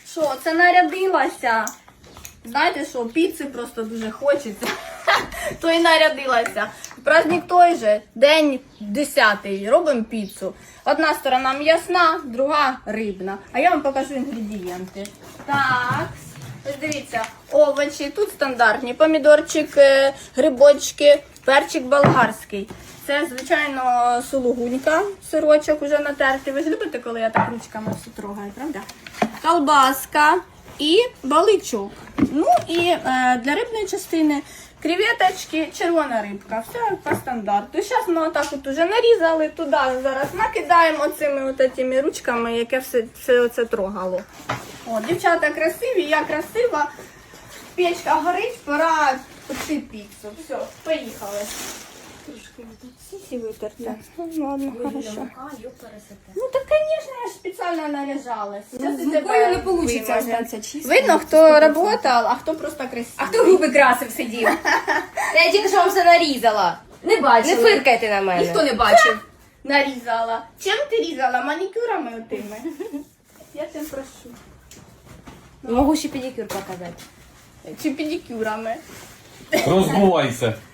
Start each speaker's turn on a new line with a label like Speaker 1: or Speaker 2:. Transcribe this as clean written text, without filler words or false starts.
Speaker 1: Що, це нарядилася? Знаєте що, піци просто дуже хочеться. То і нарядилася. Праздник той же, день 10-й, робимо піцу. Одна сторона м'ясна, друга рибна. А я вам покажу інгредієнти. Так, ось дивіться, овочі, тут стандартні, помідорчик, грибочки, перчик болгарський. Це, звичайно, сулугунька, сирочок уже натертий. Ви ж любите, коли я так ручками все трогаю, правда? Колбаска і баличок. Ну і для рибної частини креветочки, червона рибка. Все по стандарту. Зараз ми отак от уже нарізали, туди зараз накидаємо цими от этими ручками, яке все це трогало. О, дівчата красиві, я красива. Печка горить, пора пекти піцу. Все, поїхали. Трошки сісі витерти. Ну, ладно, хорошо. Ну так, звісно, я ж спеціально наряжалась.
Speaker 2: З мукою не вийде остатися чисто.
Speaker 1: Видно, хто працював, а хто просто красивий.
Speaker 2: А хто губи красив сидів? Я тільки що вам все нарізала. Не бачила. Не фиркайте на мене. Ніхто не бачив.
Speaker 1: Нарізала. Чим ти різала? Манікюрами отими? Я тебе прошу.
Speaker 2: Можу ще педикюр показати.
Speaker 1: Чи педикюрами?
Speaker 3: Розбувайся.